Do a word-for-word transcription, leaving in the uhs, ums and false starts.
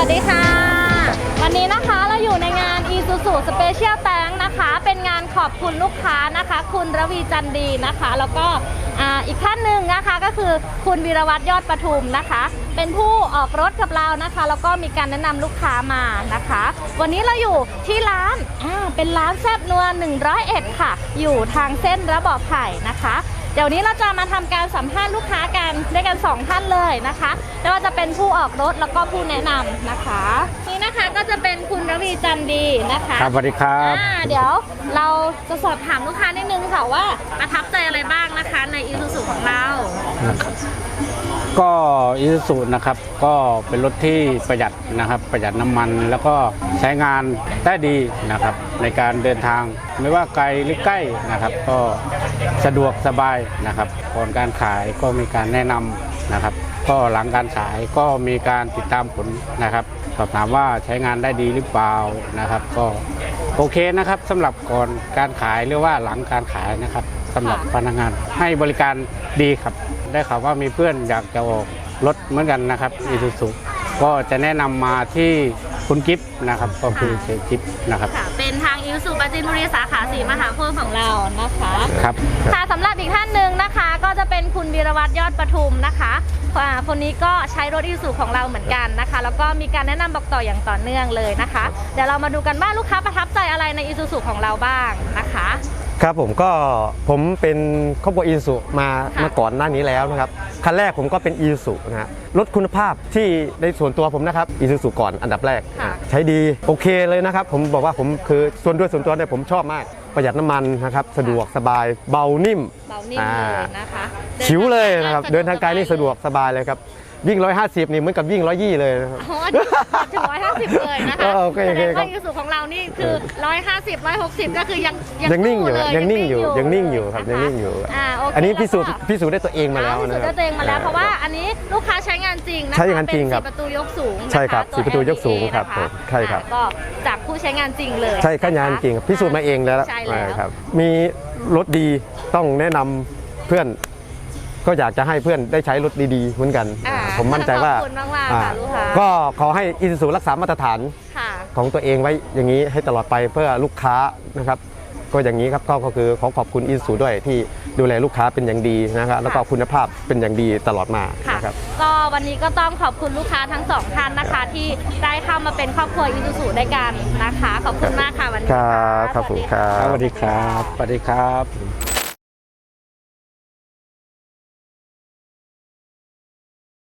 วัสดีค่ะวันนี้นะคะเราอยู่ในงาน Isuzu Special Tank นะคะเป็นงานขอบคุณลูกค้านะคะคุณระวีจันดีนะคะแล้วก็อีกท่านหนึ่งนะคะก็คือคุณวีรวัฒน์ยอดประทุมนะคะเป็นผู้ออกรถกับเรานะคะแล้วก็มีการแนะนำลูกค้ามานะคะวันนี้เราอยู่ที่ร้านอ่าเป็นร้านแซ่บนัวหนึ่งร้อยเอ็ดค่ะอยู่ทางเส้นระเบาะไผ่นะคะเดี๋ยวนี้เราจะมาทำการสัมภาษณ์ลูกค้ากันด้วยกันสองท่านเลยนะคะไม่ว่าจะเป็นผู้ออกรถแล้วก็ผู้แนะนำนะคะนี่นะคะก็จะเป็นคุณระวีจันดีนะคะครับสวัสดีครับเดี๋ยวเราจะสอบถามลูกค้านิดนึงค่ะว่าประทับใจอะไรบ้างนะคะใน Isuzu ของเราก็อิซูซุนะครับก็เป็นรถที่ประหยัดนะครับประหยัดน้ำมันแล้วก็ใช้งานได้ดีนะครับในการเดินทางไม่ว่าไกลหรือใกล้นะครับก็สะดวกสบายนะครับก่อนการขายก็มีการแนะนำนะครับก็หลังการขายก็มีการติดตามผลนะครับสอบถามว่าใช้งานได้ดีหรือเปล่านะครับก็โอเคนะครับสำหรับก่อนการขายหรือว่าหลังการขายนะครับสำหรับพนักงานให้บริการดีครับได้ข่าวว่ามีเพื่อนอยากจะออกรถเหมือนกันนะครับอิซูซุก็จะแนะนำมาที่คุณกิฟต์นะครับก็คือเชฟกิฟต์นะครับเป็นทางอิซูซุปราจีนบุรีสาขาสีมหาโพธิ์ของเรานะคะครับค่ะสำหรับอีกท่านหนึ่งนะคะก็จะเป็นคุณวีรวัฒน์ยอดประทุมนะคะคนนี้ก็ใช้รถอิซูซุของเราเหมือนกันนะคะแล้วก็มีการแนะนำบอกต่ออย่างต่อเนื่องเลยนะคะเดี๋ยวเรามาดูกันว่าลูกค้าประทับใจอะไรในอิซูซุของเราบ้างนะคะครับผมก็ผมเป็นครอบครัวอีซูมามาก่อนหน้านี้แล้วนะครับคันแรกผมก็เป็นอีซูนะฮะรถคุณภาพที่ในส่วนตัวผมนะครับอีซูก่อนอันดับแรกใช้ดีโอเคเลยนะครับผมบอกว่าผมคือส่วนด้วยส่วนตัวเนี่ยผมชอบมากประหยัดน้ำมันนะครับสะดวกสบายเบานิ่มเบานิ่มเลยนะคะชิวเลยนะครับเดินทางไกลนี่สะดวกสบายเลยครับวิ่งร้อยห้าสิบนี่เหมือนกับวิ่งร้อยยี่เลยนะครับอ๋อถึงร้อยห้าสิบเลยนะคะโอเคโอเคครับอีซูของเรานี่คือร้อยห้าสิบร้อยหกสิบก็คือยังยังนิ่งอยู่ยังนิ่งอยู่ยังนิ่งอยู่ครับยังนิ่งอยู่อันนี้พิสูจน์พิสูจน์ได้ตัวเองมาแล้วนะพิสูจน์ได้ตัวเองมาแล้วเพราะว่าอันนี้ลูกค้าใช้งานจริงนะคะใช้งานจริงครับเป็นสี่ประตูยกสูงใช่ครับสี่ประตูยกสูงครับใช่ครับก็จากผู้ใช้งานจริงเลยใช่ข้างานจริงพิสูจน์มาเองแล้วครับมีรถดีต้องแนะนำเพื่อนก็อยากจะให้เพื่อนได้ใช้รถดีๆเหมือนกันผมมั่นใจว่าก็ขอให้อิซูซุรักษามาตรฐานของตัวเองไว้อย่างนี้ให้ตลอดไปเพื่อลูกค้านะครับก็อย่างนี้ครับก็คือขอขอบคุณอิซูซุด้วยที่ดูแลลูกค้าเป็นอย่างดีนะครับแล้วก็คุณภาพเป็นอย่างดีตลอดมาครับก็วันนี้ก็ต้องขอบคุณลูกค้าทั้งสองท่านนะคะที่ได้เข้ามาเป็นครอบครัวอิซูซุด้วยกันนะคะขอบคุณมากค่ะวันนี้ครับขอบคุณครับสวัสดีครับสวัสดีครับ